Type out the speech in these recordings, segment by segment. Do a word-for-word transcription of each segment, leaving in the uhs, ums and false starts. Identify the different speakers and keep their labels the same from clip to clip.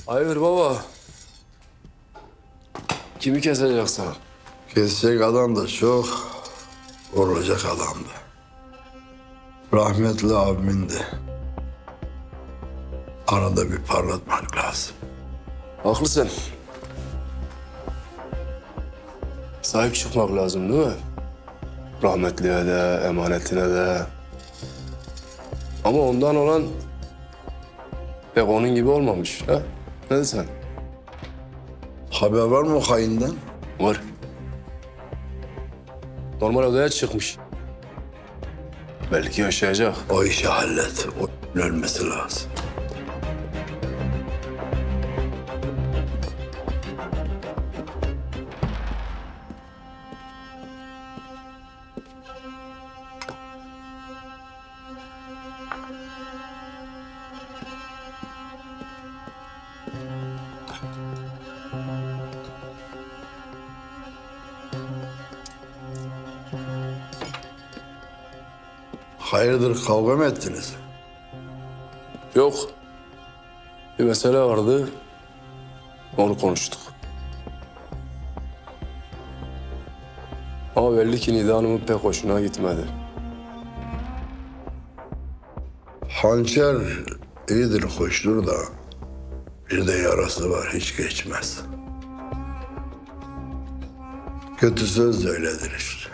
Speaker 1: Hayır baba. Kimi keseceksin?
Speaker 2: Kesecek adam da çok, vurulacak adam da. Rahmetli abimin de. Arada bir parlatmak lazım.
Speaker 1: Haklısın. Sahip çıkmak lazım değil mi? Rahmetliye de, emanetine de. Ama ondan olan pek onun gibi olmamış. Ha? Ne desen?
Speaker 2: Haber var mı o hayinden?
Speaker 1: Var. Normal odaya çıkmış. Belki yaşayacak.
Speaker 2: O işi hallet. O ölmesi lazım. Hayırdır, kavga mı ettiniz?
Speaker 1: Yok. Bir mesele vardı. Onu konuştuk. Ama belli ki Nida Hanım'ın pek hoşuna gitmedi.
Speaker 2: Hançer iyidir, hoştur da bir de yarası var, hiç geçmez. Kötü söz de öyledir işte.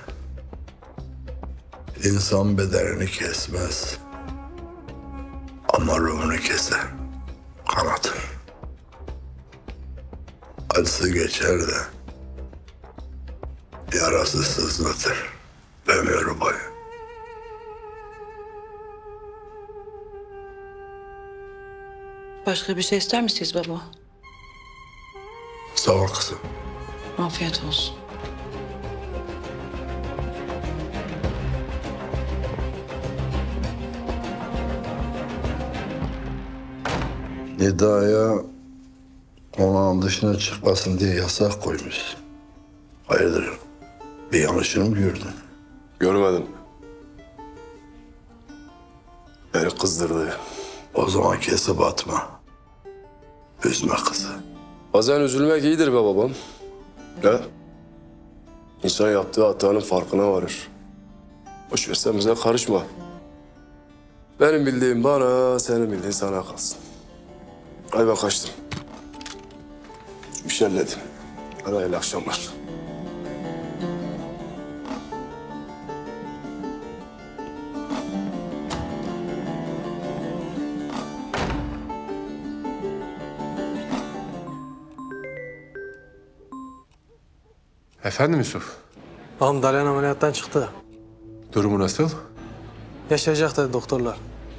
Speaker 2: İnsan bedenini kesmez ama ruhunu keser, kanatır. Acısı geçer de yarası sızlatır ömür boyu.
Speaker 3: Başka bir şey ister misiniz baba?
Speaker 2: Sağ ol kızım.
Speaker 3: Afiyet olsun.
Speaker 2: Nida'ya konağın dışına çıkmasın diye yasak koymuş. Hayırdır? Bir yanlışını mı gördün?
Speaker 1: Görmedim. Beni kızdırdı.
Speaker 2: O zaman kesip atma. Üzme kızı.
Speaker 1: Bazen üzülmek iyidir be babam. Ne? İnsan yaptığı hatanın farkına varır. Boş ver, sen bize karışma. Benim bildiğim bana, senin bildiğin sana kalsın. Hadi ben kaçtım. Bir şey halledin. Hadi hayırlı akşamlar.
Speaker 4: Efendim Yusuf,
Speaker 5: Ağam Dalyan ameliyattan çıktı.
Speaker 4: durumu nasıl?
Speaker 5: Yaşayacak dedi doktorlar.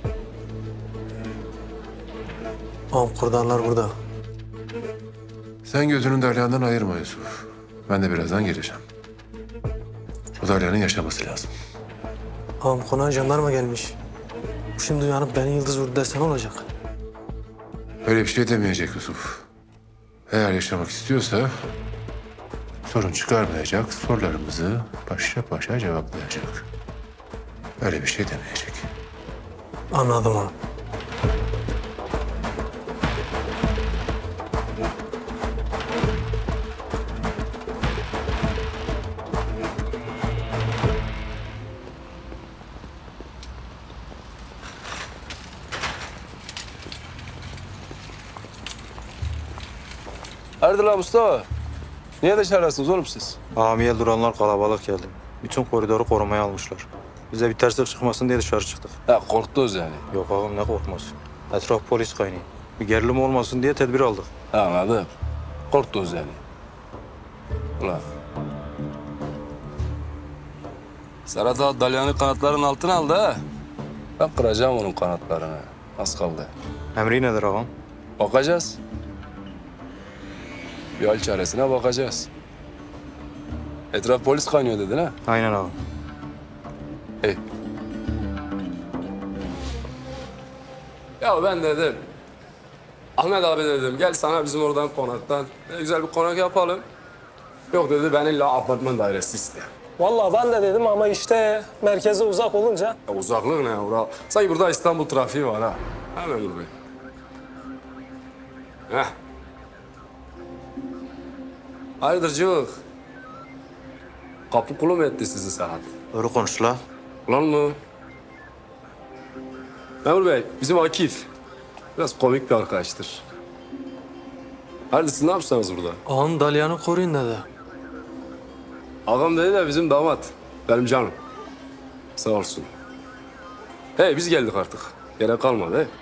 Speaker 5: Ağam kurdanlar burada.
Speaker 4: Sen gözünü Dalyan'dan ayırma Yusuf. Ben de birazdan geleceğim. Bu Dalyan'ın yaşaması lazım.
Speaker 5: Ağam konağa jandarma gelmiş. Bu şimdi uyanıp beni yıldız vurdu dersen olacak.
Speaker 4: Öyle bir şey demeyecek Yusuf. Eğer yaşamak istiyorsa sorun çıkarmayacak, sorularımızı başa başa cevaplayacak. Öyle bir şey demeyecek.
Speaker 5: Anladım ağam.
Speaker 1: Hayırdır lan Mustafa? Niye dışarıdasınız oğlum siz?
Speaker 6: Amiye duranlar kalabalık geldi. Bütün koridoru korumaya almışlar. Bize bir terslik çıkmasın diye dışarı çıktık.
Speaker 1: Ha, korktunuz yani.
Speaker 6: Yok ağam ne korkması. Etraf polis kaynıyor. Bir gerilim olmasın diye tedbir aldık.
Speaker 1: Ha, anladım. Korktunuz yani. Ulan. Serhat Ağa Dalyan'ı kanatların altına aldı ha. Ben kıracağım onun kanatlarını. Az kaldı.
Speaker 6: Emri nedir ağam?
Speaker 1: Bakacağız. Bir hal çaresine bakacağız. Etraf polis kaynıyor dedin ha?
Speaker 6: Aynen ağam.
Speaker 1: İyi. Ya ben dedim. Ahmet abi dedim gel sana bizim oradan konaktan ne güzel bir konak yapalım. Yok dedi ben illa apartman dairesi istedim.
Speaker 7: Vallahi ben de dedim ama işte merkeze uzak olunca.
Speaker 1: Ya uzaklık ne ya? Sanki burada İstanbul trafiği var ha. Hemen dur be. Heh. Hayırdır cıvık? Kapı kulu mu etti sizi Serhat?
Speaker 6: Doğru konuş la.
Speaker 1: Ulan mı? Memur Bey, bizim Akif. Biraz komik bir arkadaştır. Hayırdır siz ne yapıyorsunuz burada?
Speaker 5: Ağam Dalyan'ı koruyun dedi.
Speaker 1: Ağam dedi de bizim damat. Benim canım. Sağ olsun. Hey biz geldik artık. Gerek kalmadı he.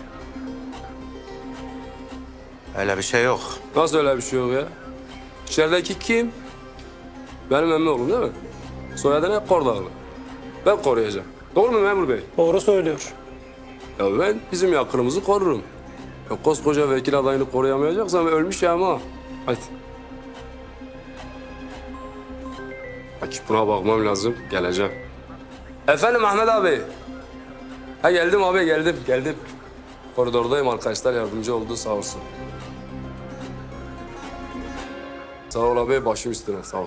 Speaker 6: Öyle bir şey yok.
Speaker 1: Nasıl öyle bir şey yok ya? İçerideki kim? Benim emmi oğlum değil mi? Soyadı ne? Kordağlı. Ben koruyacağım. Doğru mu memur bey?
Speaker 7: Doğru söylüyor.
Speaker 1: Ya ben bizim yakınımızı korurum. Ya koskoca vekil adayını koruyamayacaksam ölmüş ya ama. Hadi. Akif buna bakmam lazım. Geleceğim. Efendim Ahmet abi. Ha geldim abi geldim geldim. Koridordayım arkadaşlar yardımcı oldu sağ olsun. Sağ ol abi başım üstüne sağ ol.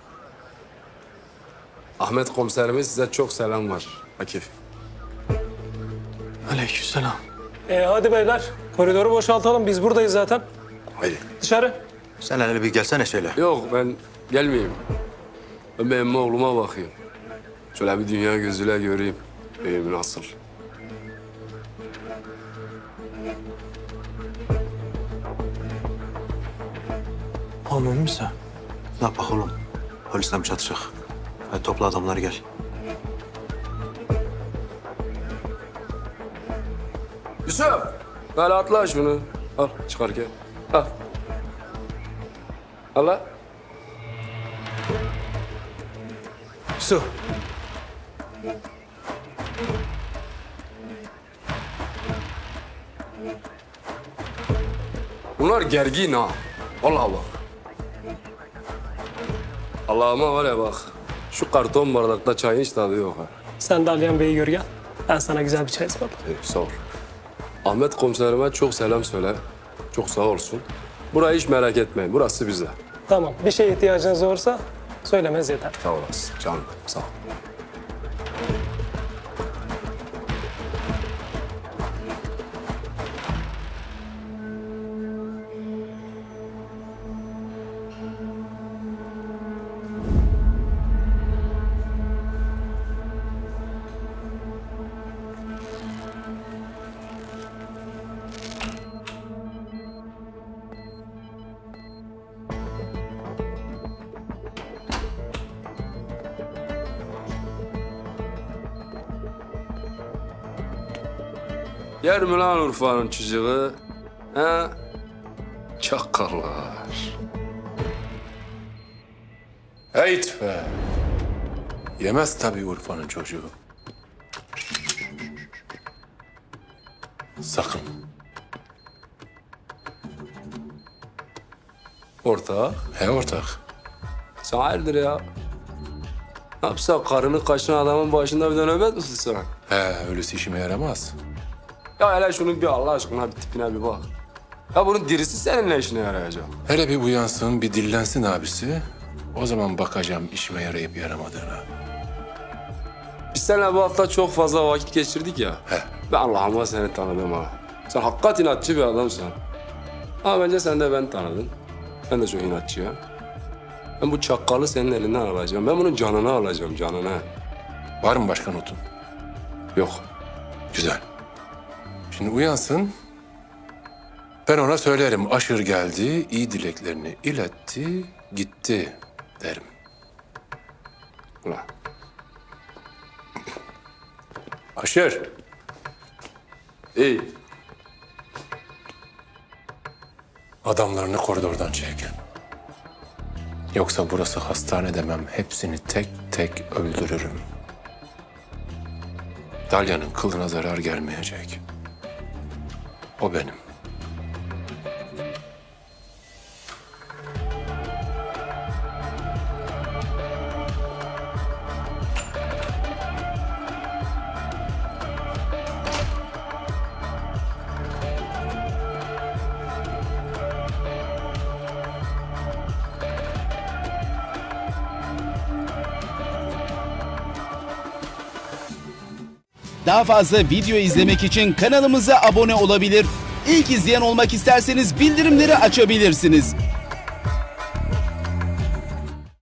Speaker 1: Ahmet komiserimiz size çok selam var Akif.
Speaker 5: Aleykümselam.
Speaker 7: E hadi beyler. Koridoru boşaltalım. Biz buradayız zaten.
Speaker 1: Haydi.
Speaker 7: Dışarı.
Speaker 6: Sen hele bir gelsene şöyle.
Speaker 1: Yok ben gelmeyeyim. Ben bir emmi oğluma bakayım. Şöyle bir dünya gözüyle göreyim. Benim nasıl?
Speaker 5: Ağam emin misin?
Speaker 6: Ne yapak oğlum? Polisle mi çatışacak? Hadi topla adamları gel.
Speaker 1: Yusuf! Böyle atla şunu. Al çıkarken. Al. Al lan.
Speaker 5: Su.
Speaker 1: Bunlar gergin ha. Vallahi bak. Allah'ıma var ya bak. Şu karton bardakta çayın hiç tadı yok ha.
Speaker 7: Sen de Aliyan Bey'i gör gel. Ben sana güzel bir çay ısmarlayayım.
Speaker 1: İyi, sağ ol. Ahmet komiserime çok selam söyle. Çok sağ olsun. Burayı hiç merak etmeyin. Burası bize.
Speaker 7: Tamam. Bir şeye ihtiyacınız olursa söylemez yeter.
Speaker 1: Sağ olasın canım. Sağ ol. Yer mi lan Urfa'nın çocuğu? Ha? Çakallar.
Speaker 4: Heyt be. Yemez tabii Urfa'nın çocuğu. Sakın.
Speaker 1: Ortak.
Speaker 4: He ortak.
Speaker 1: Sen hayırdır ya? Ne yapsa karını kaçıran adamın başında bir de nöbet mi tutsan?
Speaker 4: He öylesi işime yaramaz.
Speaker 1: Ya hele şunun bir Allah aşkına bir tipine bir bak. Ya bunun dirisi senin ne işine yarayacak?
Speaker 4: Hele bir uyansın, bir dillensin abisi. O zaman bakacağım işime yarayıp yaramadığına.
Speaker 1: Biz seninle bu hafta çok fazla vakit geçirdik ya.
Speaker 4: He.
Speaker 1: Ben Allah'ıma seni tanıdım ha. Sen hakikat inatçı bir adamsın. Ama bence sen de ben tanıdın. Ben de çok inatçıyım. Ben bu çakalı senin elinden alacağım. Ben bunun canını alacağım, canını.
Speaker 4: Var mı başka notun?
Speaker 1: Yok.
Speaker 4: Güzel. Şimdi uyansın. Ben ona söylerim. Aşır geldi, iyi dileklerini iletti, gitti derim.
Speaker 1: Ulan.
Speaker 4: Aşır.
Speaker 1: İyi.
Speaker 4: Adamlarını koridordan çek. Yoksa burası hastane demem. Hepsini tek tek öldürürüm. Dalya'nın kılına zarar gelmeyecek. O benim.
Speaker 8: Daha fazla video izlemek için kanalımıza abone olabilir. İlk izleyen olmak isterseniz bildirimleri açabilirsiniz.